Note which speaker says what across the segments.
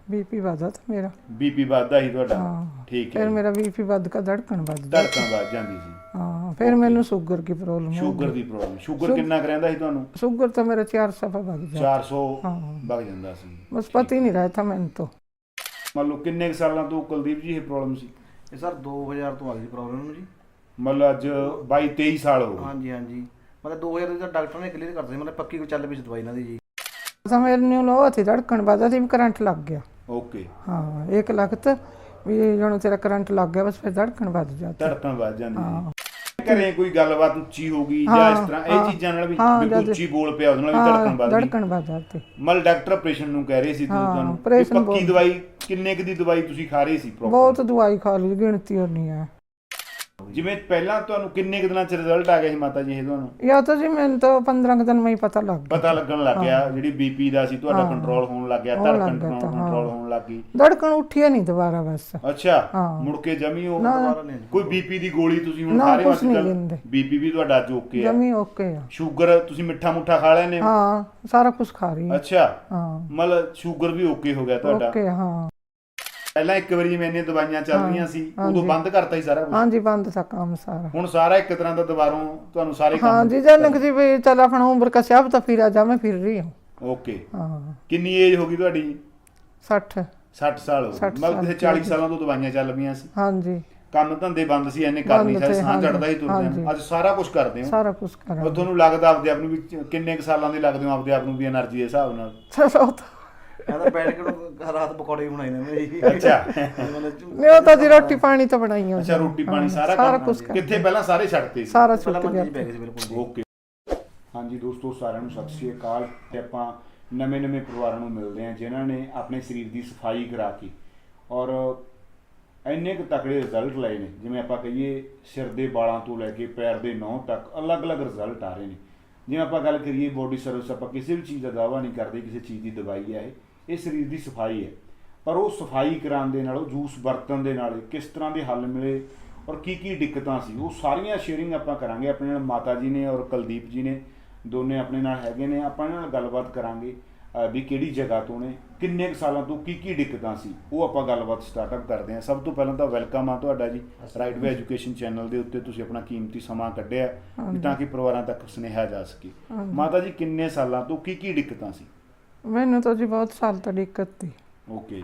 Speaker 1: BP ਵਧਾ ਤਾਂ ਮੇਰਾ।
Speaker 2: ਬੀਪੀ ਵੱਧਦਾ ਸੀ ਤੁਹਾਡਾ?
Speaker 1: हाँ
Speaker 2: ਠੀਕ ਹੈ
Speaker 1: फिर
Speaker 2: ਜੀ।
Speaker 1: मेरा बीपी ਵੱਧ का धड़कन ਵੱਧ गई।
Speaker 2: ਧੜਕਣ ਵੱਧ ਜਾਂਦੀ ਸੀ?
Speaker 1: हाँ फिर मैंने शुगर की प्रॉब्लम हो
Speaker 2: ਸ਼ੂਗਰ
Speaker 1: गई।
Speaker 2: ਦੀ ਪ੍ਰੋਬਲਮ? ਸ਼ੂਗਰ ਕਿੰਨਾ ਕੁ ਰਹਿੰਦਾ ਸੀ ਤੁਹਾਨੂੰ?
Speaker 1: शुगर तो मेरा 400 पे भाग जाता।
Speaker 2: 400
Speaker 1: हाँ
Speaker 2: ਵਗ ਜਾਂਦਾ ਸੀ?
Speaker 1: बस पता ही नहीं रहा था मैंने तो।
Speaker 2: ਮੰਨ ਲਓ ਕਿੰਨੇ ਕੁ ਸਾਲਾਂ ਤੋਂ ਕੁਲਦੀਪ ਜੀ ਇਹ ਪ੍ਰੋਬਲਮ ਸੀ?
Speaker 3: ਇਹ ਸਰ 2000 ਤੋਂ ਆ ਗਈ ਪ੍ਰੋਬਲਮ ਨੂੰ ਜੀ।
Speaker 2: ਮਤਲਬ ਅੱਜ 22 23 ਸਾਲ ਹੋ ਗਏ?
Speaker 3: ਹਾਂਜੀ ਹਾਂਜੀ, ਮਤਲਬ 2000 ਦਾ ਡਾਕਟਰ ਨੇ ਕਲੀਅਰ ਕਰਤਾ ਸੀ, ਮਤਲਬ ਪੱਕੀ ਕੋਈ ਚੱਲ ਪਈ ਸੀ ਦਵਾਈ ਇਹਨਾਂ ਦੀ ਜੀ।
Speaker 1: तो मेरे न्यू लो थी धड़कन ਵੱਧਾ थी, करंट लग गया।
Speaker 2: ਓਕੇ।
Speaker 1: हाँ 1 लाख तो भी जो तेरा करंट लग गया बस फिर धड़कन बढ़ जाती।
Speaker 2: ਧੜਕਣ ਵੱਧ ਜਾਂਦੀ
Speaker 1: हाँ
Speaker 2: ਸੀ? ਘਰੇ ਕੋਈ ਗੱਲਬਾਤ ਉੱਚੀ ਹੋ ਗਈ ਜਾਂ ਇਸ ਤਰ੍ਹਾਂ ਇਹ ਚੀਜ਼ਾਂ ਨਾਲ ਵੀ ਵੀ ਉੱਚੀ ਬੋਲ ਪਿਆ ਉਹਦੇ ਨਾਲ ਵੀ ਧੜਕਣ ਵੱਧ ਗਈ?
Speaker 1: धड़कन बढ़ जाती।
Speaker 2: ਮਤਲਬ ਡਾਕਟਰ ਆਪਰੇਸ਼ਨ ਨੂੰ ਕਹਿ ਰਹੇ ਸੀ ਤੁਸੀਂ
Speaker 1: हाँ
Speaker 2: ਤੁਹਾਨੂੰ?
Speaker 1: ऑपरेशन
Speaker 2: ਵੀ ਪੱਕੀ ਦਵਾਈ ਕਿੰਨੇ ਕੁ ਦੀ ਦਵਾਈ ਤੁਸੀਂ ਖਾ ਰਹੇ ਸੀ ਪ੍ਰੋਪਰ?
Speaker 1: बहुत दवाई खा ली, गिनती होनी है।
Speaker 2: ਜਿਵੇਂ ਪਹਿਲਾਂ ਤੁਹਾਨੂੰ ਕਿੰਨੇ ਕੁ ਦਿਨਾਂ ਚ ਰਿਜ਼ਲਟ ਆ ਗਿਆ ਸੀ ਮਾਤਾ ਜੀ ਇਹ ਤੁਹਾਨੂੰ?
Speaker 1: या तो जी मैंने तो 15 दिन में ही पता लग गया।
Speaker 2: ਪਤਾ ਲੱਗਣ ਲੱਗ ਗਿਆ ਜਿਹੜੀ ਬੀਪੀ ਦਾ ਸੀ ਤੁਹਾਡਾ ਕੰਟਰੋਲ ਹੋਣ ਲੱਗ ਗਿਆ,
Speaker 1: ਹੋਣ
Speaker 2: ਧੜਕਣ
Speaker 1: ਲੱਗ ਗਿਆ ਤਾਂ,
Speaker 2: ਕੰਟਰੋਲ ਹੋਣ ਲੱਗ ਗਈ?
Speaker 1: धड़कन उठी नहीं दोबारा बस।
Speaker 2: ਅੱਛਾ,
Speaker 1: ਹਾਂ।
Speaker 2: ਮੁੜ ਕੇ ਜਮੀ ਉਹ
Speaker 3: ਦੁਬਾਰਾ ਨਹੀਂ ਜੀ।
Speaker 2: ਕੋਈ ਬੀਪੀ ਦੀ ਗੋਲੀ ਤੁਸੀਂ ਹੁਣ
Speaker 1: ਨਾ,
Speaker 2: ਖਾ ਰਹੇ ਹੋ
Speaker 1: ਕੁਛ ਨਹੀਂ
Speaker 2: ਅੱਜ
Speaker 1: ਲੈਂਦੇ।
Speaker 2: ਕੱਲ? ਬੀਪੀ ਵੀ ਤੁਹਾਡਾ ਅੱਜ ਓਕੇ ਆ?
Speaker 1: जमी ओके है।
Speaker 2: ਸ਼ੂਗਰ ਤੁਸੀਂ ਮਿੱਠਾ ਮੁੱਠਾ ਖਾ ਲੈਨੇ ਹੋ?
Speaker 1: हाँ सारा कुछ खा रही है।
Speaker 2: ਅੱਛਾ,
Speaker 1: हाँ
Speaker 2: ਮਤਲਬ ਸ਼ੂਗਰ ਵੀ ਓਕੇ ਹੋ ਗਿਆ ਤੁਹਾਡਾ?
Speaker 1: ओके हाँ।
Speaker 2: ਪਹਿਲਾਂ ਇੱਕ ਵਾਰੀ ਜਿਵੇਂ ਇੰਨੀਆਂ ਦਵਾਈਆਂ ਚੱਲ ਰਹੀਆਂ ਸੀ
Speaker 1: हाँ
Speaker 2: ਉਦੋਂ
Speaker 1: जी।
Speaker 2: ਬੰਦ ਕਰਤਾ ਸੀ ਸਾਰਾ ਕੁਝ?
Speaker 1: हाँ जी बंद था काम सारा।
Speaker 2: ਹੁਣ ਸਾਰਾ ਇੱਕ ਤਰ੍ਹਾਂ ਦਾ ਦੁਬਾਰੋਂ ਤੁਹਾਨੂੰ ਸਾਰੇ
Speaker 1: हाँ
Speaker 2: ਕੰਮ?
Speaker 1: जी जनक जी भी चल अपना उम्र का सब तो फिर जा मैं फिर रही हूँ।
Speaker 2: ਓਕੇ।
Speaker 1: हाँ
Speaker 2: ਕਿੰਨੀ ਏਜ ਹੋ ਗਈ ਤੁਹਾਡੀ?
Speaker 1: 60।
Speaker 2: 60 ਸਾਲ ਹੋ ਗਏ?
Speaker 1: 60
Speaker 2: ਮਤਲਬ
Speaker 1: ਸਾਲ
Speaker 2: ਕਿ 40 ਸਾਲਾਂ ਤੋਂ ਦਵਾਈਆਂ ਚੱਲ ਪਈਆਂ ਸੀ?
Speaker 1: हाँ जी
Speaker 2: ਕੰਮ ਧੰਦੇ ਬੰਦ ਸੀ, ਇਹਨੇ ਕਰ ਨਹੀਂ
Speaker 1: ਬੰਦ
Speaker 2: ਸੀ,
Speaker 1: ਤੇ,
Speaker 2: ਸਾਹ
Speaker 1: ਹਾਂਜੀ,
Speaker 2: ਚੜਦਾ ਹੀ ਤੁਰਦੇ
Speaker 1: ਹਾਂਜੀ।
Speaker 2: ਆ। ਅੱਜ ਸਾਰਾ ਕੁਝ ਕਰਦੇ ਹੋ?
Speaker 1: सारा कुछ करा।
Speaker 2: ਉਹ ਤੁਹਾਨੂੰ ਲੱਗਦਾ ਆਪਦੇ ਆਪ ਨੂੰ ਵੀ ਕਿੰਨੇ ਕੁ ਸਾਲਾਂ ਦੇ ਲੱਗਦੇ ਹੋ ਆਪਦੇ ਆਪ ਨੂੰ ਵੀ એનર્ਜੀ ਦੇ ਹਿਸਾਬ ਨਾਲ?
Speaker 1: चलो तो
Speaker 3: ਕਹਿੰਦਾ ਬੈਠ ਕੇ ਨੂੰ ਰਾਤ ਪਕੌੜੇ ਵੀ ਬਣਾਏ ਨੇ ਮੈਂ ਜੀ।
Speaker 2: ਅੱਛਾ।
Speaker 1: नहीं होता जी रोटी पानी तो बनाई है।
Speaker 2: ਅੱਛਾ, ਰੋਟੀ ਪਾਣੀ ਸਾਰਾ
Speaker 1: सारा
Speaker 2: ਕੰਮ
Speaker 1: कुछ कर
Speaker 2: ਕਿੱਥੇ ਪਹਿਲਾਂ ਸਾਰੇ ਛੱਡਤੇ ਸੀ?
Speaker 1: सारा
Speaker 3: ਪਹਿਲਾਂ
Speaker 1: छुट
Speaker 3: ਮੰਜੀ 'ਚ
Speaker 1: गया।
Speaker 3: ਪੈ ਗਏ ਸੀ ਬਿਲਕੁਲ ਜੀ।
Speaker 2: ਓਕੇ। ਹਾਂਜੀ ਦੋਸਤੋ, ਸਾਰਿਆਂ ਨੂੰ ਸਤਿ ਸ਼੍ਰੀ ਅਕਾਲ। ਤੇ ਆਪਾਂ ਨਵੇਂ ਪਰਿਵਾਰਾਂ ਨੂੰ ਮਿਲਦੇ ਹਾਂ ਜਿਨ੍ਹਾਂ ਨੇ ਆਪਣੇ ਸਰੀਰ ਦੀ ਸਫਾਈ ਕਰਾ ਕੇ ਔਰ ਇੰਨੇ ਕੁ ਤਕੜੇ ਰਿਜ਼ਲਟ ਲਏ ਨੇ। ਜਿਵੇਂ ਆਪਾਂ ਕਹੀਏ ਸਿਰ ਦੇ ਵਾਲਾਂ ਤੋਂ ਲੈ ਕੇ ਪੈਰ ਦੇ ਨਹੁੰ ਤੱਕ ਅਲੱਗ-ਅਲੱਗ ਰਿਜ਼ਲਟ ਆ ਰਹੇ ਨੇ। ਜਿਵੇਂ ਆਪਾਂ ਗੱਲ ਕਰੀਏ ਬੋਡੀ ਸਰਵਿਸ, ਆਪਾਂ ਕਿਸੇ ਵੀ ਚੀਜ਼ ਦਾ ਦਾਅਵਾ ਨਹੀਂ ਕਰਦੇ, ਕਿਸੇ ਚੀਜ਼ ਦੀ ਦਵਾਈ ਹੈ ਇਹ ਸਰੀਰ ਦੀ ਸਫਾਈ ਹੈ। ਪਰ ਉਹ ਸਫਾਈ ਕਰਾਉਣ ਦੇ ਨਾਲ, ਉਹ ਜੂਸ ਵਰਤਣ ਦੇ ਨਾਲ ਕਿਸ ਤਰ੍ਹਾਂ ਦੇ ਹੱਲ ਮਿਲੇ ਔਰ ਕੀ ਦਿੱਕਤਾਂ ਸੀ, ਉਹ ਸਾਰੀਆਂ ਸ਼ੇਅਰਿੰਗ ਆਪਾਂ ਕਰਾਂਗੇ। ਆਪਣੇ ਨਾਲ ਮਾਤਾ ਜੀ ਨੇ ਔਰ ਕੁਲਦੀਪ ਜੀ ਨੇ, ਦੋਨੇ ਆਪਣੇ ਨਾਲ ਹੈਗੇ ਨੇ। ਆਪਾਂ ਇਹਨਾਂ ਨਾਲ ਗੱਲਬਾਤ ਕਰਾਂਗੇ ਵੀ ਕਿਹੜੀ ਜਗ੍ਹਾ ਤੋਂ ਨੇ, ਕਿੰਨੇ ਕੁ ਸਾਲਾਂ ਤੋਂ ਕੀ ਦਿੱਕਤਾਂ ਸੀ, ਉਹ ਆਪਾਂ ਗੱਲਬਾਤ ਸਟਾਰਟਅਪ ਕਰਦੇ ਹਾਂ। ਸਭ ਤੋਂ ਪਹਿਲਾਂ ਤਾਂ ਵੈਲਕਮ ਆ ਤੁਹਾਡਾ ਜੀ ਰਾਈਟ ਵੇ ਐਜੂਕੇਸ਼ਨ ਚੈਨਲ ਦੇ ਉੱਤੇ। ਤੁਸੀਂ ਆਪਣਾ ਕੀਮਤੀ ਸਮਾਂ ਕੱਢਿਆ ਵੀ ਤਾਂ ਕਿ ਪਰਿਵਾਰਾਂ ਤੱਕ ਸੁਨੇਹਾ ਜਾ ਸਕੇ। ਮਾਤਾ ਜੀ ਕਿੰਨੇ ਸਾਲਾਂ ਤੋਂ ਕੀ ਦਿੱਕਤਾਂ ਸੀ?
Speaker 1: मैंने तो जी बहुत साल तो दिक्कत थी।
Speaker 2: ਓਕੇ।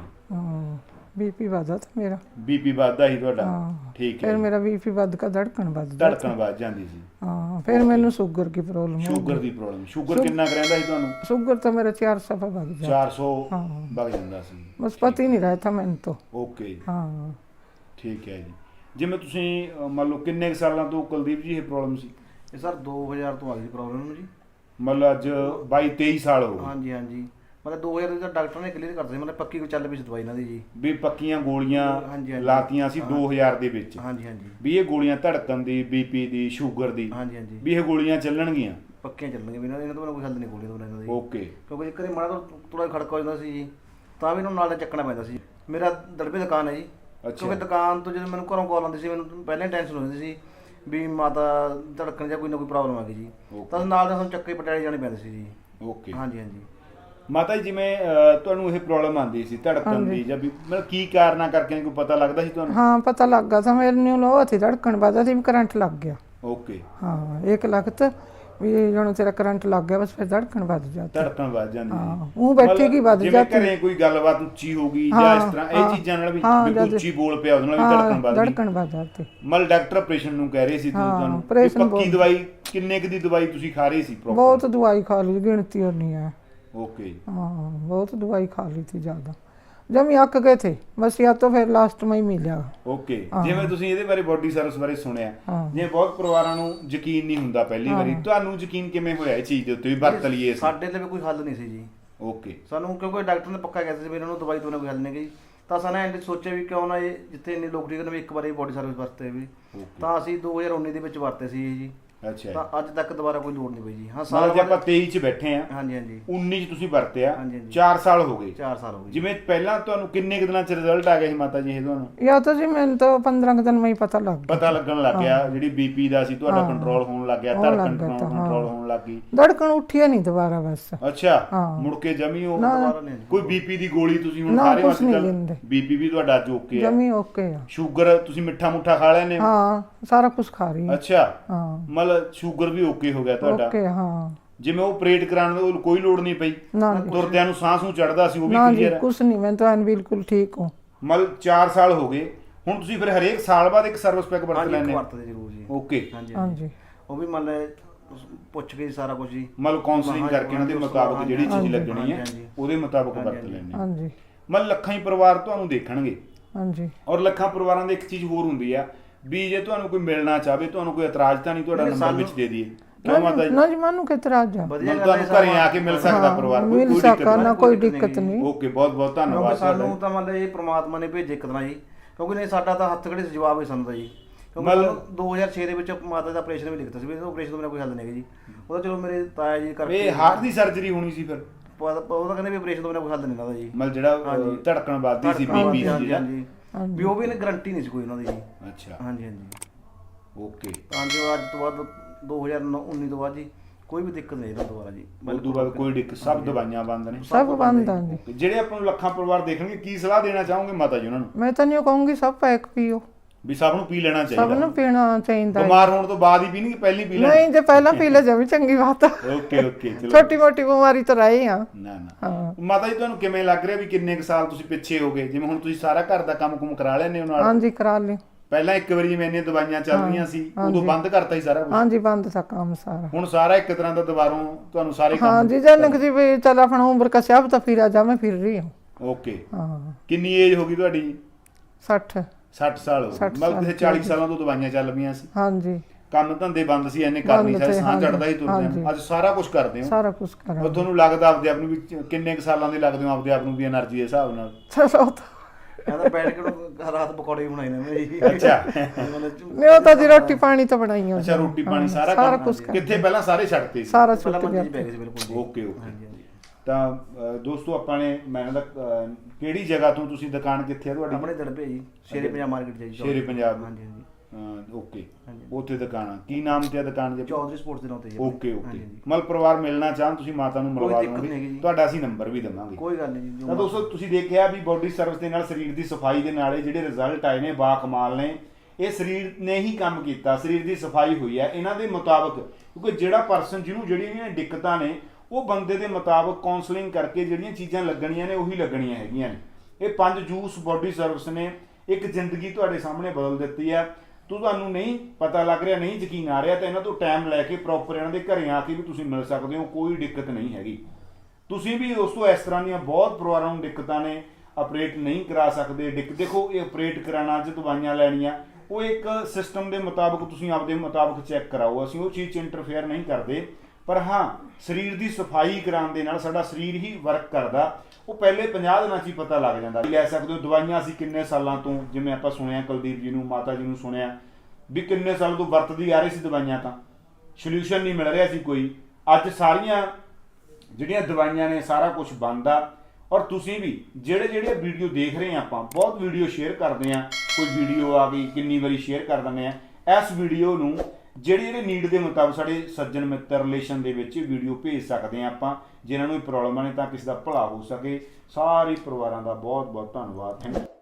Speaker 1: बीपी ਵਧਾ ਤਾਂ ਮੇਰਾ।
Speaker 2: ਬੀਪੀ ਵੱਧਦਾ ਸੀ ਤੁਹਾਡਾ?
Speaker 1: हाँ
Speaker 2: ਠੀਕ ਹੈ।
Speaker 1: फिर मेरा बीपी ਵੱਧ का धड़कन बढ़
Speaker 2: ਧੜਕਣ
Speaker 1: जाती।
Speaker 2: ਵੱਧ ਜਾਂਦੀ ਸੀ?
Speaker 1: हाँ फिर मैंने शुगर की प्रॉब्लम हो
Speaker 2: ਸ਼ੂਗਰ
Speaker 1: गई।
Speaker 2: ਦੀ ਪ੍ਰੋਬਲਮ? ਸ਼ੂਗਰ ਕਿੰਨਾ ਕੁ ਰਹਿੰਦਾ ਸੀ ਤੁਹਾਨੂੰ?
Speaker 1: शुगर तो मेरा 400 पे भाग जाता।
Speaker 2: 400
Speaker 1: हाँ
Speaker 2: ਵਗ ਜਾਂਦਾ ਸੀ?
Speaker 1: बस पता ही नहीं रहा था मैंने तो।
Speaker 2: ਓਕੇ,
Speaker 1: हाँ
Speaker 2: ਠੀਕ ਹੈ ਜੀ। ਜਿਵੇਂ ਤੁਸੀਂ ਮੰਨ ਲਓ ਕਿੰਨੇ ਕੁ ਸਾਲਾਂ ਤੋਂ ਕੁਲਦੀਪ ਜੀ ਇਹ ਪ੍ਰੋਬਲਮ ਸੀ?
Speaker 3: ਇਹ ਸਰ 2000 ਤੋਂ ਆ ਗਈ ਪ੍ਰੋਬਲਮ ਨੂੰ ਜੀ।
Speaker 2: ਮਤਲਬ ਅੱਜ 22 23 ਸਾਲ ਹੋ ਗਏ?
Speaker 3: ਹਾਂਜੀ ਹਾਂਜੀ, ਮਤਲਬ 2000 ਦਾ ਡਾਕਟਰ ਨੇ ਕਲੀਅਰ ਕਰਤਾ ਸੀ, ਮਤਲਬ ਪੱਕੀ ਕੋਈ ਚੱਲ ਪਈ ਸੀ ਦਵਾਈ ਇਹਨਾਂ ਦੀ ਜੀ।
Speaker 2: ਵੀ ਪੱਕੀਆਂ ਗੋਲੀਆਂ
Speaker 3: ਹਾਂਜੀ, ਹਾਂਜੀ।
Speaker 2: ਲਾਤੀਆਂ ਸੀ
Speaker 3: ਹਾਂ।
Speaker 2: 2000 ਦੇ ਵਿੱਚ
Speaker 3: ਹਾਂਜੀ ਹਾਂਜੀ
Speaker 2: ਵੀ ਇਹ ਗੋਲੀਆਂ ਧੜਕਣ ਦੀ, ਬੀਪੀ ਦੀ, ਸ਼ੂਗਰ ਦੀ,
Speaker 3: ਹਾਂਜੀ ਹਾਂਜੀ,
Speaker 2: ਵੀ ਇਹ ਗੋਲੀਆਂ ਚੱਲਣਗੀਆਂ?
Speaker 3: ਪੱਕੀਆਂ ਚੱਲਣਗੀਆਂ ਵੀ ਇਹਨਾਂ ਤੋਂ ਬਿਨਾਂ ਕੋਈ ਹੱਲ ਨਹੀਂ ਗੋਲੀਆਂ ਤੋਂ ਬਿਨਾਂ ਇਹਨਾਂ ਦੀ।
Speaker 2: ਓਕੇ।
Speaker 3: ਕਿਉਂਕਿ ਜੇ ਘਰੇ ਮਾੜਾ ਤੋਂ ਥੋੜਾ ਖੜਕਾ ਹੋ ਜਾਂਦਾ ਸੀ ਜੀ, ਤਾਂ ਵੀ ਇਹਨੂੰ ਨਾਲ ਚੱਕਣਾ ਪੈਂਦਾ ਸੀ। ਮੇਰਾ ਦੜਬੇ ਦੁਕਾਨ ਹੈ ਜੀ। ਕਿਉਂਕਿ ਦੁਕਾਨ ਤੋਂ ਜਦੋਂ ਮੈਨੂੰ ਘਰੋਂ ਕਾਲ ਆਉਂਦੀ ਸੀ, ਮੈਨੂੰ ਪਹਿਲਾਂ ਹੀ ਟੈਨਸ਼ਨ ਹੁੰਦੀ ਸੀ ਵੀ ਮਾਤਾ ਧੜਕਣ ਜਾਂ ਕੋਈ ਨਾ ਕੋਈ ਪ੍ਰੋਬਲਮ ਆ ਗਈ ਜੀ, ਤਾਂ ਨਾਲ ਦੇ ਸਾਨੂੰ ਚੱਕੇ ਪਟਿਆਲੇ ਜਾਣੇ ਪੈਂਦੇ ਸੀ ਜੀ।
Speaker 2: ਓਕੇ।
Speaker 3: ਹਾਂਜੀ ਹਾਂਜੀ,
Speaker 2: ਮਾਤਾ ਜੀ ਜਿਵੇਂ ਤੁਹਾਨੂੰ ਇਹ ਪ੍ਰੋਬਲਮ ਆਉਂਦੀ ਸੀ ਧੜਕਣ ਦੀ ਜਾਂ ਵੀ ਮਤਲਬ ਕੀ ਕਾਰਨਾਂ ਕਰਕੇ ਕੋਈ ਪਤਾ ਲੱਗਦਾ ਸੀ ਤੁਹਾਨੂੰ?
Speaker 1: हाँ पता लग गया था। मेरे न्यू लो थी धड़कन बढ़ा थी, करंट लग गया।
Speaker 2: ਓਕੇ।
Speaker 1: हाँ 1 लाख तो भी जो तेरा करंट लग गया बस फिर धड़कन बढ़ जाती।
Speaker 2: ਧੜਕਣ ਵੱਧ ਜਾਂਦੀ ਸੀ?
Speaker 1: हाँ वो बैठेगी बढ़
Speaker 2: ਜਿਵੇਂ
Speaker 1: जाती।
Speaker 2: ਘਰੇ ਕੋਈ ਗੱਲਬਾਤ ਉੱਚੀ ਹੋ ਗਈ ਜਾਂ ਇਸ ਤਰ੍ਹਾਂ ਇਹ ਚੀਜ਼ਾਂ ਨਾਲ ਵੀ ਵੀ ਉੱਚੀ ਬੋਲ ਪਿਆ ਉਹਦੇ ਨਾਲ ਵੀ ਧੜਕਣ
Speaker 1: हाँ
Speaker 2: ਵੱਧ ਗਈ?
Speaker 1: धड़कन बढ़ जाती।
Speaker 2: ਮਤਲਬ ਡਾਕਟਰ ਆਪਰੇਸ਼ਨ ਨੂੰ ਕਹਿ ਰਹੇ ਸੀ ਤੁਸੀਂ
Speaker 1: ਹਾਂ,
Speaker 2: ਤੁਹਾਨੂੰ?
Speaker 1: operation
Speaker 2: ਵੀ ਪੱਕੀ ਦਵਾਈ ਕਿੰਨੇ ਕੁ ਦੀ ਦਵਾਈ ਤੁਸੀਂ ਖਾ ਰਹੇ ਸੀ ਪ੍ਰੋਪਰ?
Speaker 1: बहुत दवाई खा ली, गिनती होनी है।
Speaker 2: ਓਕੇ।
Speaker 1: हाँ बहुत दवाई खा ली थी ज़्यादा, जब अक गए थे बस, या तो फिर लास्ट में ही मिला।
Speaker 2: ਓਕੇ।
Speaker 1: ਹਾਂ।
Speaker 2: ਜਿਵੇਂ ਤੁਸੀਂ ਇਹਦੇ ਬਾਰੇ ਬੋਡੀ ਸਰਵਿਸ ਬਾਰੇ ਸੁਣਿਆ,
Speaker 1: ਹਾਂ।
Speaker 2: ਜਿਵੇਂ ਬਹੁਤ ਪਰਿਵਾਰਾਂ ਨੂੰ ਯਕੀਨ ਨਹੀਂ ਹੁੰਦਾ ਪਹਿਲੀ ਵਾਰੀ,
Speaker 1: ਹਾਂ।
Speaker 2: ਤੁਹਾਨੂੰ ਯਕੀਨ ਕਿਵੇਂ ਹੋਇਆ ਇਹ ਚੀਜ਼ ਦੇ ਉੱਤੇ ਵੀ ਵਰਤ ਲਈਏ ਅਸੀਂ?
Speaker 3: ਸਾਡੇ ਲਈ ਵੀ ਕੋਈ ਹੱਲ ਨਹੀਂ ਸੀ ਜੀ।
Speaker 2: ਓਕੇ।
Speaker 3: ਸਾਨੂੰ ਕਿਉਂਕਿ ਡਾਕਟਰ ਨੇ ਪੱਕਾ ਕਹਿ ਦਿੱਤਾ ਸੀ ਵੀ ਇਹਨਾਂ ਨੂੰ ਦਵਾਈ ਤੋਂ ਨਾ ਕੋਈ ਹੱਲ ਨਹੀਂ ਗਈ, ਤਾਂ ਸਾਨੂੰ ਐਂਡ ਸੋਚਿਆ ਵੀ ਕਿਉਂ ਨਾ ਇਹ ਜਿੱਥੇ ਇੰਨੇ ਲੋਕ ਠੀਕ ਨੇ ਵੀ ਇੱਕ ਵਾਰੀ ਬੋਡੀ ਸਰਵਿਸ ਵਰਤੇ ਵੀ।
Speaker 2: ਓਕੇ।
Speaker 3: ਤਾਂ ਅਸੀਂ 2019 ਦੇ ਵਿੱਚ ਵਰਤੇ ਸੀ ਜੀ।
Speaker 2: ਅੱਛਾ
Speaker 3: ਤਾਂ ਅੱਜ ਤੱਕ ਦੁਬਾਰਾ ਕੋਈ ਲੋੜ ਨਹੀਂ ਪਈ ਜੀ। ਹਾਂ
Speaker 2: ਮਤਲਬ ਜੇ ਆਪਾਂ 23 ਚ ਬੈਠੇ ਆ,
Speaker 3: ਹਾਂਜੀ ਹਾਂਜੀ
Speaker 2: 19 ਚ ਤੁਸੀਂ ਵਰਤਿਆ,
Speaker 3: ਹਾਂਜੀ, ਹਾਂਜੀ।
Speaker 2: 4 ਸਾਲ ਹੋ ਗਏ।
Speaker 3: 4 ਸਾਲ ਹੋ ਗਏ ਜੀ।
Speaker 2: ਜਿਵੇਂ ਪਹਿਲਾਂ ਤੁਹਾਨੂੰ ਕਿੰਨੇ ਕੁ ਦਿਨਾਂ ਚ ਰਿਜ਼ਲਟ ਆ ਗਿਆ ਸੀ ਮਾਤਾ ਜੀ ਇਹ ਤੁਹਾਨੂੰ
Speaker 1: या तो जी मैंने तो 15 के दिन में ही पता लग गया।
Speaker 2: ਪਤਾ ਲੱਗਣ ਲੱਗ ਗਿਆ? ਜਿਹੜੀ ਬੀਪੀ ਦਾ ਸੀ ਤੁਹਾਡਾ ਕੰਟਰੋਲ ਹੋਣ ਲੱਗ ਗਿਆ,
Speaker 1: ਹੋਣ
Speaker 2: ਧੜਕਣ
Speaker 1: ਲੱਗ ਗਿਆ ਤਾਂ,
Speaker 2: ਕੰਟਰੋਲ
Speaker 1: ਹਾਂ।
Speaker 2: ਹੋਣ ਲੱਗ ਗਈ।
Speaker 1: धड़कन उठी है नहीं दोबारा बस।
Speaker 2: ਅੱਛਾ,
Speaker 1: ਹਾਂ।
Speaker 2: ਮੁੜ ਕੇ ਜਮੀ ਉਹ
Speaker 3: ਦੁਬਾਰਾ ਨਹੀਂ
Speaker 2: ਕੋਈ ਬੀਪੀ ਦੀ ਗੋਲੀ ਤੁਸੀਂ ਹੁਣ
Speaker 1: ਨਾ,
Speaker 2: ਖਾ ਰਹੇ ਹੋ
Speaker 1: ਕੁਛ ਨਹੀਂ
Speaker 2: ਅੱਜ
Speaker 1: ਲੈਂਦੇ।
Speaker 2: ਕੱਲ੍ਹ? ਬੀਪੀ ਵੀ ਤੁਹਾਡਾ ਅੱਜ ਓਕੇ ਆ?
Speaker 1: जमी ओके है।
Speaker 2: ਸ਼ੂਗਰ ਤੁਸੀਂ ਮਿੱਠਾ ਮੁੱਠਾ ਖਾ ਲੈਂਦੇ ਹੋ?
Speaker 1: हाँ सारा कुछ खा रही है।
Speaker 2: ਅੱਛਾ,
Speaker 1: हाँ
Speaker 2: ਮਤਲਬ ਸ਼ੂਗਰ ਵੀ ਓਕੇ ਹੋ ਗਿਆ ਤੁਹਾਡਾ?
Speaker 1: ओके हाँ।
Speaker 2: ਜਿਵੇਂ ਉਹ ਆਪਰੇਟ ਕਰਾਉਣ ਦੀ ਕੋਈ ਲੋੜ ਨਹੀਂ ਪਈ?
Speaker 1: ना
Speaker 2: ਤੁਰਦਿਆਂ ਨੂੰ ਸਾਹ ਸੂ ਚੜਦਾ ਸੀ, ਉਹ ਵੀ
Speaker 1: ना जी
Speaker 2: ਕਲੀਅਰ ਹੈ?
Speaker 1: कुछ नहीं, मैं तो एन बिल्कुल ठीक हूँ।
Speaker 2: ਮਤਲਬ 4 ਸਾਲ ਹੋ ਗਏ ਹੁਣ, ਤੁਸੀਂ ਫਿਰ ਹਰੇਕ ਸਾਲ ਬਾਅਦ ਇੱਕ ਸਰਵਿਸ ਪੈਕ ਵਰਤ
Speaker 3: ਹਾਂਜੀ,
Speaker 2: ਲੈਂਦੇ
Speaker 3: ਇੱਕ
Speaker 2: ਹੋ?
Speaker 3: ਵਰਤਦੇ ਜ਼ਰੂਰ ਜੀ।
Speaker 2: ਓਕੇ,
Speaker 3: ਹਾਂਜੀ
Speaker 1: हाँ
Speaker 3: ਹਾਂਜੀ।
Speaker 1: जी
Speaker 3: ਉਹ ਵੀ ਮੰਨ ਲੈ ਪੁੱਛ ਕੇ ਸਾਰਾ ਕੁਝ ਜੀ।
Speaker 2: ਮਤਲਬ ਕਾਉਂਸਲਿੰਗ
Speaker 3: ਹਾਂਜੀ,
Speaker 2: ਕਰਕੇ ਉਹਨਾਂ ਦੇ
Speaker 3: ਹਾਂਜੀ,
Speaker 2: ਮੁਤਾਬਕ ਜਿਹੜੀ ਚੀਜ਼
Speaker 1: ਹਾਂਜੀ,
Speaker 2: ਲੱਗਣੀ ਹੈ
Speaker 3: ਹਾਂਜੀ।
Speaker 2: ਉਹਦੇ ਮੁਤਾਬਕ
Speaker 3: ਹਾਂਜੀ,
Speaker 2: ਵਰਤ
Speaker 3: ਹਾਂਜੀ।
Speaker 2: ਲੈਂਦੇ
Speaker 1: हाँ जी
Speaker 2: ਮਤਲਬ ਲੱਖਾਂ ਹੀ ਪਰਿਵਾਰ ਤੁਹਾਨੂੰ ਦੇਖਣਗੇ,
Speaker 1: हाँ जी
Speaker 2: ਔਰ ਲੱਖਾਂ ਪਰਿਵਾਰਾਂ ਦੇ ਇੱਕ ਚੀਜ਼ ਹੋਰ ਹੁੰਦੀ ਆ ਵੀ ਜੇ ਤੁਹਾਨੂੰ ਕੋਈ ਮਿਲਣਾ ਚਾਹਵੇ, ਤੁਹਾਨੂੰ ਕੋਈ ਇਤਰਾਜ਼ ਤਾਂ ਨਹੀਂ ਤੁਹਾਡਾ
Speaker 3: ਨਹੀਂ,
Speaker 2: ਨੰਬਰ
Speaker 3: ਸਾਨੂੰ-
Speaker 2: ਵਿੱਚ ਦੇ ਦਈਏ? ਕਿਉਂ ਮਾਤਾ ਜੀ?
Speaker 1: ना जी मानू के तरह जा
Speaker 3: ਵਧੀਆ
Speaker 2: ਮਤਲਬ
Speaker 3: ਗੱਲ ਹੈ
Speaker 2: ਤੁਹਾਨੂੰ ਘਰੇ ਆ ਕੇ ਮਿਲ ਸਕਦਾ ਪਰਿਵਾਰ, ਕੋਈ
Speaker 1: मिल
Speaker 2: ਕੋਈ
Speaker 1: सका
Speaker 2: ਦਿੱਕਤ
Speaker 1: ना
Speaker 2: ਨਹੀਂ?
Speaker 1: कोई
Speaker 3: कोई
Speaker 1: दिक्कत
Speaker 3: दिक्कत
Speaker 1: नहीं।
Speaker 2: ਓਕੇ, ਬਹੁਤ ਬਹੁਤ
Speaker 3: ਕਿਉਂਕਿ
Speaker 2: ਧੰਨਵਾਦ
Speaker 3: ਸਾਨੂੰ
Speaker 2: ਤੁਹਾਡਾ।
Speaker 3: ਤਾਂ ਮੰਨ ਲੈ ਇਹ ਪ੍ਰਮਾਤਮਾ ਨੇ ਭੇਜੇ ਇੱਕ ਤਰ੍ਹਾਂ ਜੀ, ਕਿਉਂਕਿ ਨਹੀਂ ਸਾਡਾ ਤਾਂ ਹੱਥ ਘੜੇ ਜਵਾਬ ਹੀ ਸੰਦਾ ਜੀ। ਕਿਉਂਕਿ
Speaker 2: ਮਤਲਬ-
Speaker 3: ਸਾਨੂੰ 2006 ਦੇ ਵਿੱਚ ਮਾਤਾ ਦਾ ਆਪਰੇਸ਼ਨ ਵੀ ਲਿਖਤਾ ਸੀ ਵੀ ਆਪਰੇਸ਼ਨ ਤੋਂ ਬਿਨਾਂ ਕੋਈ ਹੱਲ ਨਹੀਂ ਹੈਗਾ ਜੀ। ਉਹਦਾ ਚਲੋ ਮੇਰੇ ਤਾਇਆ ਜੀ ਕਰਕੇ
Speaker 2: ਇਹ ਹਾਰਟ ਦੀ ਸਰਜਰੀ ਹੋਣੀ ਸੀ ਫਿਰ?
Speaker 3: ਉਹ ਤਾਂ ਕਹਿੰਦੇ ਵੀ ਆਪਰੇਸ਼ਨ ਤੋਂ ਬਿਨਾਂ ਕੋਈ ਹੱਲ ਨਹੀਂ ਲੱਗਦਾ ਜੀ।
Speaker 2: ਮਤਲਬ ਜਿਹੜਾ
Speaker 3: ਹਾਂਜੀ।
Speaker 2: ਧੜਕਣ ਵੱਧਦੀ ਸੀ,
Speaker 3: ਧੜਕਣ
Speaker 2: ਬੀਪੀ
Speaker 3: ਹਾਂਜੀ,
Speaker 2: ਸੀ ਜਿਹੜਾ?
Speaker 3: ਹਾਂਜੀ।
Speaker 1: हाँ
Speaker 3: ਵੀ
Speaker 1: जी
Speaker 3: ਉਹ ਵੀ ਇਹਨੇ ਗਾਰੰਟੀ ਨਹੀਂ ਸੀ ਕੋਈ ਉਹਨਾਂ ਦੀ ਜੀ।
Speaker 2: ਅੱਛਾ,
Speaker 3: ਹਾਂਜੀ ਹਾਂਜੀ।
Speaker 2: ਓਕੇ।
Speaker 3: ਤਾਂ ਜੋ ਅੱਜ ਤੋਂ ਬਾਅਦ 2019 ਤੋਂ ਬਾਅਦ ਜੀ ਕੋਈ ਵੀ ਦਿੱਕਤ ਨਹੀਂ ਇਹਨਾਂ ਦੁਬਾਰਾ ਜੀ।
Speaker 2: ਉਸ ਤੋਂ ਬਾਅਦ ਕੋਈ ਦਿੱਕਤ, ਸਭ ਦਵਾਈਆਂ ਬੰਦ ਨੇ?
Speaker 1: सब बंद हाँ जी।
Speaker 2: ਓਕੇ। ਜਿਹੜੇ ਆਪਾਂ ਨੂੰ ਲੱਖਾਂ ਪਰਿਵਾਰ ਦੇਖਣਗੇ, ਕੀ ਸਲਾਹ ਦੇਣਾ ਚਾਹੋਗੇ ਮਾਤਾ ਜੀ ਉਹਨਾਂ ਨੂੰ?
Speaker 1: मैं तो नहीं कहूँगी सब पैक पियो,
Speaker 2: ਵੀ ਸਭ ਨੂੰ ਪੀ ਲੈਣਾ
Speaker 1: सब
Speaker 2: ਚਾਹੀਦਾ?
Speaker 1: ਨੂੰ पीना चाहिए।
Speaker 2: ਬਿਮਾਰ ਹੋਣ ਤੋਂ ਬਾਅਦ ਹੀ ਪੀਣੀ ਕਿ ਪਹਿਲੀ ਪੀ ਲੈਣੀ?
Speaker 1: नहीं जो पहला पी ले जमी चंगी बात है।
Speaker 2: ਓਕੇ ਓਕੇ, ਚਲੋ।
Speaker 1: छोटी मोटी बीमारी तो रही हाँ।
Speaker 2: ਨਾ ਨਾ
Speaker 1: हाँ
Speaker 2: ਮਾਤਾ ਜੀ, ਤੁਹਾਨੂੰ ਕਿਵੇਂ ਲੱਗ ਰਿਹਾ ਵੀ ਕਿੰਨੇ ਕੁ ਸਾਲ ਤੁਸੀਂ ਪਿੱਛੇ ਹੋ ਗਏ? ਜਿਵੇਂ ਹੁਣ ਤੁਸੀਂ ਸਾਰਾ ਘਰ ਦਾ ਕੰਮ ਕੁਮ ਕਰਾ ਲੈਂਦੇ ਹੋ ਨਾਲ?
Speaker 1: हाँ जी करा ली।
Speaker 2: ਪਹਿਲਾਂ ਇੱਕ ਵਾਰੀ ਜਿਵੇਂ ਇੰਨੀਆਂ ਦਵਾਈਆਂ ਚੱਲ ਰਹੀਆਂ ਸੀ,
Speaker 1: ਹਾਂਜੀ।
Speaker 2: ਉਦੋਂ ਬੰਦ ਕਰਤਾ ਸੀ ਸਾਰਾ ਕੁਝ?
Speaker 1: हाँ जी बंद था काम सारा।
Speaker 2: ਹੁਣ ਸਾਰਾ ਇੱਕ ਤਰ੍ਹਾਂ ਦਾ ਦੁਬਾਰੋਂ ਤੁਹਾਨੂੰ ਸਾਰੇ
Speaker 1: हाँ
Speaker 2: ਕੰਮ?
Speaker 1: जी जनक जी भी चल अपना उम्र का सियाब तो फिर जा, मैं फिर रही हूँ।
Speaker 2: ਓਕੇ।
Speaker 1: हाँ
Speaker 2: ਕਿੰਨੀ ਏਜ ਹੋ ਗਈ ਤੁਹਾਡੀ?
Speaker 1: 60।
Speaker 2: 60 ਸਾਲ ਹੋ ਗਏ।
Speaker 1: 60
Speaker 2: ਮਤਲਬ ਕਿਸੇ
Speaker 1: ਸਾਲ
Speaker 2: 40 ਸਾਲਾਂ ਤੋਂ ਦਵਾਈਆਂ ਚੱਲ ਪਈਆਂ ਸੀ,
Speaker 1: हाँ जी
Speaker 2: ਕੰਮ ਧੰਦੇ ਬੰਦ ਸੀ, ਐਨੇ ਕਰ ਨਹੀਂ
Speaker 1: ਬੰਦ
Speaker 2: ਸਕਦੇ,
Speaker 1: ਤੇ,
Speaker 2: ਸਾਹ
Speaker 1: ਹਾਂਜੀ,
Speaker 2: ਚੜਦਾ ਹੀ ਤੁਰਦੇ
Speaker 1: ਹਾਂਜੀ।
Speaker 2: ਆ। ਅੱਜ ਸਾਰਾ ਕੁਝ ਕਰਦੇ ਹੋ?
Speaker 1: सारा कुछ करा।
Speaker 2: ਉਹ ਤੁਹਾਨੂੰ ਲੱਗਦਾ ਆਪਦੇ ਆਪ ਨੂੰ ਵੀ ਕਿੰਨੇ ਕੁ ਸਾਲਾਂ ਦੇ ਲੱਗਦੇ ਹੋ ਆਪਦੇ ਆਪ ਨੂੰ ਵੀ એનર્ਜੀ ਦੇ ਹਿਸਾਬ ਨਾਲ?
Speaker 1: चलो तो
Speaker 3: ਕਹਿੰਦਾ ਬੈਠ ਕੇ ਉਹਨੂੰ ਰਾਤ ਪਕੌੜੇ ਵੀ ਬਣਾਏ ਨੇ ਮੈਂ ਜੀ।
Speaker 2: ਅੱਛਾ।
Speaker 1: नहीं होता जी रोटी पानी तो बनाई हो।
Speaker 2: ਅੱਛਾ, ਰੋਟੀ ਪਾਣੀ ਸਾਰਾ
Speaker 1: सारा
Speaker 2: ਕੰਮ
Speaker 1: कुछ कर
Speaker 2: ਕਿੱਥੇ ਪਹਿਲਾਂ ਸਾਰੇ ਛੱਡਤੇ ਸੀ?
Speaker 1: सारा
Speaker 3: ਪਹਿਲਾਂ
Speaker 1: छुट
Speaker 3: ਮੰਜੀ 'ਚ
Speaker 1: गया।
Speaker 3: ਪੈ ਗਏ ਸੀ ਬਿਲਕੁਲ ਜੀ।
Speaker 2: Okay okay.
Speaker 3: ਹਾਂਜੀ ਹਾਂਜੀ।
Speaker 2: ਤਾਂ ਦੋਸਤੋ, ਆਪਾਂ ਨੇ ਮੈਨੂੰ ਦਾ ਕਿਹੜੀ ਜਗ੍ਹਾ ਤੋਂ ਤੁਸੀਂ ਦੁਕਾਨ ਕਿੱਥੇ ਆ ਤੁਹਾਡੀ?
Speaker 3: ਆਪਣੇ ਦੜਪੇ ਜੀ, ਸ਼ੇਰੇ ਪੰਜਾਬ ਮਾਰਕੀਟ ਜੀ।
Speaker 2: ਸ਼ੇਰੇ ਪੰਜਾਬ।
Speaker 3: ਹਾਂਜੀ ਹਾਂਜੀ।
Speaker 2: ਓਕੇ,
Speaker 3: ਹਾਂਜੀ।
Speaker 2: ਉੱਥੇ ਦੁਕਾਨ ਆ। ਕੀ ਨਾਮ ਤੇ ਆ ਦੁਕਾਨ ਦੇ?
Speaker 3: ਚੌਧਰੀ ਸਪੋਰਟਸ ਦੇ ਨਾਂ ਤੇ ਜੀ।
Speaker 2: Okay okay.
Speaker 3: ਹਾਂਜੀ, ਹਾਂਜੀ।
Speaker 2: ਮਤਲਬ ਪਰਿਵਾਰ ਮਿਲਣਾ ਚਾਹਣ, ਤੁਸੀਂ ਮਾਤਾ ਨੂੰ ਮਿਲਵਾ
Speaker 3: ਕੋਈ ਦਿੱਕਤ ਨਹੀਂ ਹੈਗੀ
Speaker 2: ਦੋਗੇ,
Speaker 3: ਜੀ।
Speaker 2: ਤੁਹਾਡਾ ਅਸੀਂ ਨੰਬਰ ਵੀ ਦੇਵਾਂਗੇ।
Speaker 3: ਕੋਈ ਗੱਲ ਨਹੀਂ ਜੀ।
Speaker 2: ਤਾਂ ਦੋਸਤੋ, ਤੁਸੀਂ ਦੇਖਿਆ ਵੀ ਬੋਡੀ ਸਰਵਿਸ ਦੇ ਨਾਲ, ਸਰੀਰ ਦੀ ਸਫਾਈ ਦੇ ਨਾਲ ਇਹ ਜਿਹੜੇ ਰਿਜ਼ਲਟ ਆਏ ਨੇ ਬਾ ਕਮਾਲ ਨੇ। ਇਹ ਸਰੀਰ ਨੇ ਹੀ ਕੰਮ ਕੀਤਾ, ਸਰੀਰ ਦੀ ਸਫਾਈ ਹੋਈ ਹੈ ਇਹਨਾਂ ਦੇ ਮੁਤਾਬਕ। ਕਿਉਂਕਿ ਜਿਹੜਾ ਪਰਸਨ ਜਿਹਨੂੰ ਜਿਹੜੀਆਂ ਦਿੱਕਤਾਂ ਨੇ, ਉਹ ਬੰਦੇ ਦੇ ਮੁਤਾਬਕ ਕਾਉਂਸਲਿੰਗ ਕਰਕੇ ਜਿਹੜੀਆਂ ਚੀਜ਼ਾਂ ਲੱਗਣੀਆਂ ਨੇ ਉਹੀ ਲੱਗਣੀਆਂ ਹੈਗੀਆਂ ਨੇ। ਇਹ 5 ਜੂਸ ਬੋਡੀ ਸਰਵਿਸ ਨੇ ਇੱਕ ਜ਼ਿੰਦਗੀ ਤੁਹਾਡੇ ਸਾਹਮਣੇ ਬਦਲ ਦਿੱਤੀ ਹੈ। ਤੁਹਾਨੂੰ ਨਹੀਂ ਪਤਾ ਲੱਗ ਰਿਹਾ, ਨਹੀਂ ਯਕੀਨ ਆ ਰਿਹਾ, ਤਾਂ ਇਹਨਾਂ ਤੋਂ ਟਾਈਮ ਲੈ ਕੇ ਪ੍ਰੋਪਰ ਇਹਨਾਂ ਦੇ ਘਰੇ ਆ ਕੇ ਵੀ ਤੁਸੀਂ ਮਿਲ ਸਕਦੇ ਹੋ, ਕੋਈ ਦਿੱਕਤ ਨਹੀਂ ਹੈਗੀ। ਤੁਸੀਂ ਵੀ ਦੋਸਤੋ ਇਸ ਤਰ੍ਹਾਂ ਦੀਆਂ ਬਹੁਤ ਪਰਿਵਾਰਾਂ ਨੂੰ ਦਿੱਕਤਾਂ ਨੇ, ਆਪਰੇਟ ਨਹੀਂ ਕਰਾ ਸਕਦੇ। ਦੇਖੋ, ਇਹ ਆਪਰੇਟ ਕਰਾਉਣਾ ਜਾਂ ਦਵਾਈਆਂ ਲੈਣੀਆਂ, ਉਹ ਇੱਕ ਸਿਸਟਮ ਦੇ ਮੁਤਾਬਕ ਤੁਸੀਂ ਆਪਦੇ ਮੁਤਾਬਕ ਚੈੱਕ ਕਰਾਓ। ਅਸੀਂ ਉਹ ਚੀਜ਼ 'ਚ ਇੰਟਰਫੇਅਰ ਨਹੀਂ ਕਰਦੇ, ਪਰ ਹਾਂ ਸਰੀਰ ਦੀ ਸਫਾਈ ਕਰਾਉਣ ਦੇ ਨਾਲ ਸਾਡਾ ਸਰੀਰ ਹੀ ਵਰਕ ਕਰਦਾ। ਉਹ ਪਹਿਲੇ 50 ਦਿਨਾਂ 'ਚ ਹੀ ਪਤਾ ਲੱਗ ਜਾਂਦਾ। ਲੈ ਸਕਦੇ ਹੋ ਦਵਾਈਆਂ ਅਸੀਂ ਕਿੰਨੇ ਸਾਲਾਂ ਤੋਂ, ਜਿਵੇਂ ਆਪਾਂ ਸੁਣਿਆ ਕੁਲਦੀਪ ਜੀ ਨੂੰ, ਮਾਤਾ ਜੀ ਨੂੰ ਸੁਣਿਆ ਵੀ ਕਿੰਨੇ ਸਾਲ ਤੋਂ ਵਰਤਦੀ ਆ ਰਹੀ ਸੀ ਦਵਾਈਆਂ, ਤਾਂ ਸੋਲੂਸ਼ਨ ਨਹੀਂ ਮਿਲ ਰਿਹਾ ਸੀ ਕੋਈ। ਅੱਜ ਸਾਰੀਆਂ ਜਿਹੜੀਆਂ ਦਵਾਈਆਂ ਨੇ, ਸਾਰਾ ਕੁਝ ਬੰਦ ਆ। ਔਰ ਤੁਸੀਂ ਵੀ ਜਿਹੜੇ ਵੀਡੀਓ ਦੇਖ ਰਹੇ ਆ, ਆਪਾਂ ਬਹੁਤ ਵੀਡੀਓ ਸ਼ੇਅਰ ਕਰਦੇ ਆ, ਕੋਈ ਵੀਡੀਓ ਆ ਗਈ ਕਿੰਨੀ ਵਾਰੀ ਸ਼ੇਅਰ ਕਰ ਦਿੰਦੇ ਆ। ਇਸ ਵੀਡੀਓ ਨੂੰ ਜਿਹੜੇ ਨੀਡ ਦੇ ਮੁਤਾਬਕ ਸਾਡੇ ਸੱਜਣ ਮਿੱਤਰ ਰਿਲੇਸ਼ਨ ਦੇ ਵਿੱਚ ਵੀਡੀਓ ਭੇਜ ਸਕਦੇ ਆ ਆਪਾਂ, ਜਿਨ੍ਹਾਂ ਨੂੰ ਪ੍ਰੋਬਲਮਾਂ ਨੇ, ਤਾਂ ਕਿਸੇ ਦਾ ਭਲਾ ਹੋ ਸਕੇ। ਸਾਰੇ ਪਰਿਵਾਰਾਂ ਦਾ ਬਹੁਤ ਬਹੁਤ ਧੰਨਵਾਦ। Thank you.